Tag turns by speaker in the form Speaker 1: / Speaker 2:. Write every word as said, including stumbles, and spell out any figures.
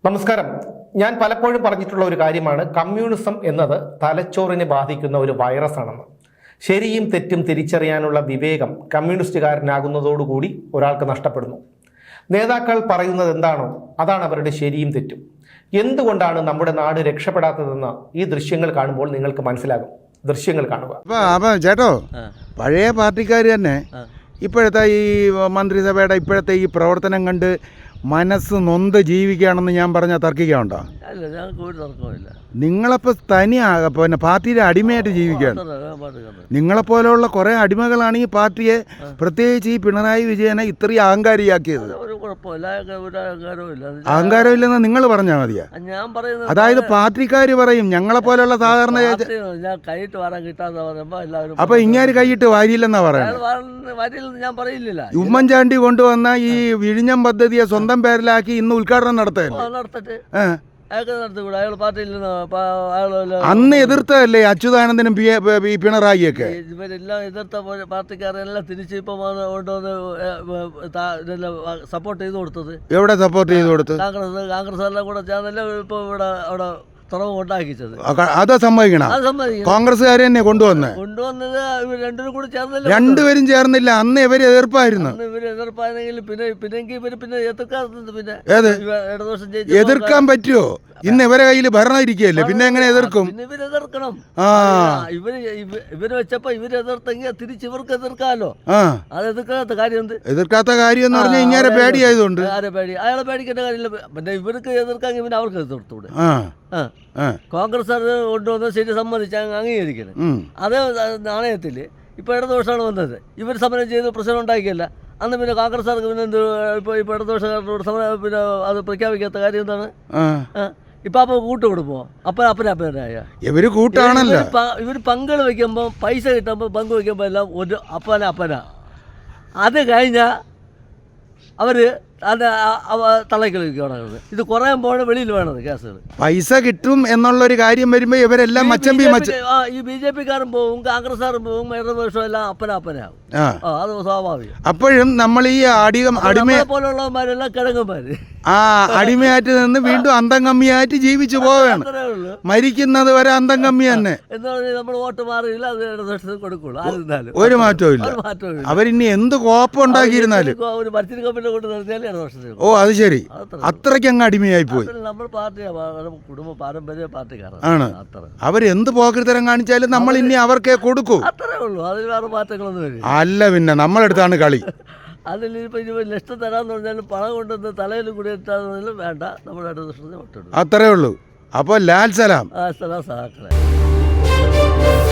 Speaker 1: നമസ്കാരം. ഞാൻ പലപ്പോഴും പറഞ്ഞിട്ടുള്ള ഒരു കാര്യമാണ് കമ്മ്യൂണിസം എന്നത് തലച്ചോറിനെ ബാധിക്കുന്ന ഒരു വൈറസ് ആണെന്ന്. ശരിയും തെറ്റും തിരിച്ചറിയാനുള്ള വിവേകം കമ്മ്യൂണിസ്റ്റുകാരനാകുന്നതോടുകൂടി ഒരാൾക്ക് നഷ്ടപ്പെടുന്നു. നേതാക്കൾ പറയുന്നത് എന്താണോ അതാണ് അവരുടെ ശരിയും തെറ്റും. എന്തുകൊണ്ടാണ് നമ്മുടെ നാട് രക്ഷപ്പെടാത്തതെന്ന് ഈ ദൃശ്യങ്ങൾ കാണുമ്പോൾ നിങ്ങൾക്ക് മനസ്സിലാകും. ദൃശ്യങ്ങൾ കാണുക.
Speaker 2: അപ്പം ചേട്ടോ, പഴയ പാർട്ടിക്കാർ തന്നെ ഇപ്പോഴത്തെ ഈ മന്ത്രിസഭയുടെ ഇപ്പോഴത്തെ ഈ പ്രവർത്തനം കണ്ട് മനസ്സ് നൊന്ത് ജീവിക്കുകയാണെന്ന് ഞാൻ പറഞ്ഞാൽ തർക്കിക്കാനുണ്ടോ? നിങ്ങളപ്പോൾ തനിയാ പിന്നെ പാർട്ടിയുടെ അടിമയായിട്ട് ജീവിക്കുകയാണ്. നിങ്ങളെപ്പോലെയുള്ള കുറേ അടിമകളാണ് ഈ പാർട്ടിയെ, പ്രത്യേകിച്ച് ഈ പിണറായി വിജയനെ ഇത്രയും അഹങ്കാരിയാക്കിയത്. അഹങ്കാരമില്ലെന്ന് നിങ്ങൾ പറഞ്ഞാൽ മതിയാ. അതായത് പാർട്ടിക്കാർ പറയും ഞങ്ങളെപ്പോലെയുള്ള സാധാരണ. അപ്പൊ ഇങ്ങനെ കൈയിട്ട് വാരിയില്ലെന്നാ പറയുന്നത്. ഉമ്മൻചാണ്ടി കൊണ്ടുവന്ന ഈ വിഴിഞ്ഞം പദ്ധതിയെ സ്വന്തം പേരിലാക്കി ഇന്ന് ഉദ്ഘാടനം നടത്തുകയല്ലേ. അന്ന് എതിർത്തതല്ലേ അച്യുതാനന്ദനും പിണറായിയൊക്കെ?
Speaker 3: ഇവരെല്ലാം എതിർത്ത പാർട്ടിക്കാരെല്ലാം തിരിച്ച് ഇപ്പം സപ്പോർട്ട് ചെയ്ത് കൊടുത്തത്.
Speaker 2: എവിടെ സപ്പോർട്ട് ചെയ്ത് കൊടുത്തത്?
Speaker 3: കോൺഗ്രസ് കോൺഗ്രസ് എല്ലാം കൂടെ ചേർന്നല്ലേ ഇപ്പൊ ഇവിടെ അവിടെ തുറവ് ഉണ്ടാക്കിച്ചത്.
Speaker 2: അത് സമ്മതിക്കണം. കോൺഗ്രസ്സുകാർ തന്നെ കൊണ്ടുവന്നത്
Speaker 3: കൊണ്ടുവന്നത് രണ്ടുപേരും കൂടി ചേർന്നല്ലേ.
Speaker 2: രണ്ടുപേരും ചേർന്നില്ല. അന്ന് ഇവര് എതിർപ്പായിരുന്നു.
Speaker 3: ഇവര് എതിർപ്പായിരുന്നെങ്കിൽ പിന്നെ പിന്നെങ്കിൽ ഇവര് പിന്നെ എതിർക്കാറുണ്ട്. പിന്നെ
Speaker 2: ഏത് എതിർക്കാൻ പറ്റുമോ? ഇന്ന് ഇവരെ കയ്യിൽ ഭരണം ഇരിക്കുകയല്ലേ, പിന്നെ എങ്ങനെ എതിർക്കും?
Speaker 3: ഇവര് എതിർക്കണം. ആ ഇവര് ഇവര് വെച്ചപ്പോ ഇവര് എതിർത്തെങ്കിൽ തിരിച്ച് ഇവർക്ക് എതിർക്കാമല്ലോ. അത് എതിർക്കാത്ത കാര്യം എന്ത്?
Speaker 2: എതിർക്കാത്ത കാര്യം എന്ന് പറഞ്ഞാൽ ഇങ്ങനെ പേടിയായതുകൊണ്ട്.
Speaker 3: ആരെ പേടി? അയാളെ പേടിക്കേണ്ട കാര്യമില്ല. പിന്നെ ഇവർക്ക് എതിർക്കാമെങ്കിൽ പിന്നെ അവർക്ക് എതിർത്തൂടെ. കോൺഗ്രസ് അത് കൊണ്ടുവന്നത് ശരി, സമ്മതിച്ച് അംഗീകരിക്കണം. അതേ നാണയത്തിൽ ഇപ്പൊ ഇടതുപക്ഷമാണ് വന്നത്. ഇവർ സമരം ചെയ്ത് പ്രശ്നം ഉണ്ടാക്കിയല്ല. അന്ന് പിന്നെ കോൺഗ്രസ്സുകാർക്ക് പിന്നെ എന്ത് ഇപ്പൊ ഇപ്പൊ ഇടതുപക്ഷക്കാരോട് സമരം പിന്നെ അത് പ്രഖ്യാപിക്കാത്ത കാര്യം എന്താണ്? ഇപ്പൊ അപ്പൊ കൂട്ട് കൊടുപ്പോ അപ്പ അപ്പനപ്പനായ ഇവര് കൂട്ടാണല്ലോ. ഇവര് പങ്കുകൾ വെക്കുമ്പോ പൈസ കിട്ടുമ്പോ പങ്ക് വെക്കുമ്പോ എല്ലാം ഒരു അപ്പന അപ്പന. അത് കഴിഞ്ഞ അവര് അത് തള്ളക്കളിക്കുകയാണ്. ഇത് കുറയുമ്പോൾ വെളിയിൽ വേണത് കേസുകൾ.
Speaker 2: പൈസ കിട്ടും എന്നുള്ളൊരു കാര്യം വരുമ്പോ ഇവരെല്ലാം മച്ചമ്പി
Speaker 3: ഈ ബി ജെ പിക്കാരും പോവും, കോൺഗ്രസ്സുകാരും പോവും, ഇടതുപക്ഷം എല്ലാം അപ്പന അപ്പനാവും. അത് സ്വാഭാവികം.
Speaker 2: അപ്പോഴും നമ്മൾ ഈ അടിമ
Speaker 3: പോലുള്ളവന്മാരെല്ലാം കിഴങ്ങന്മാര്
Speaker 2: ആ അടിമയായിട്ട് നിന്ന് വീണ്ടും അന്തം കമ്മിയായിട്ട് ജീവിച്ചു പോവുകയാണ്. മരിക്കുന്നത് വരെ അന്തം കമ്മി തന്നെ.
Speaker 3: എന്ന് പറഞ്ഞാൽ നമ്മൾ വോട്ട് മാറിയില്ല, അത് ഇടതുപക്ഷത്തിന് കൊടുക്കുള്ളൂ. ആയിരുന്നാലും
Speaker 2: ഒരു മാറ്റവും ഇല്ല. അവരിനി എന്ത് കോപ്പം ഉണ്ടാക്കിയിരുന്നാലും
Speaker 3: ഒരു മത്സര കമ്മിറ്റി കൊണ്ട് നിർത്തിയാലും ഇടതുപക്ഷത്തിന്.
Speaker 2: ഓ അത് ശരി, അത്രയ്ക്ക് അങ്ങ് അടിമയായി പോയി.
Speaker 3: നമ്മൾ പാർട്ടി കുടുംബ പാരമ്പര്യ പാർട്ടിക്കാരാണ്.
Speaker 2: ആണ്. അവരെന്ത് പോക്കൃതരം കാണിച്ചാലും നമ്മൾ ഇനി അവർക്കേ കൊടുക്കൂ.
Speaker 3: അത്രേ ഉള്ളൂ. അതിൽ വേറെ മാറ്റങ്ങളൊന്നും വരും
Speaker 2: അല്ല. പിന്നെ നമ്മളെടുത്താണ് കളി.
Speaker 3: അതിലിപ്പോൾ ഇനി ലക്ഷം തരാമെന്ന് പറഞ്ഞാലും പണം കൊണ്ടുവന്ന് തലയിൽ കൂടി എത്താമെന്നാലും വേണ്ട, നമ്മുടെ ഇടതുപക്ഷത്തിന് വോട്ടിടും.
Speaker 2: അത്രേ ഉള്ളൂ. അപ്പോൾ ലാൽ സലാം.
Speaker 3: ആ സലാം സഹാക്കളെ.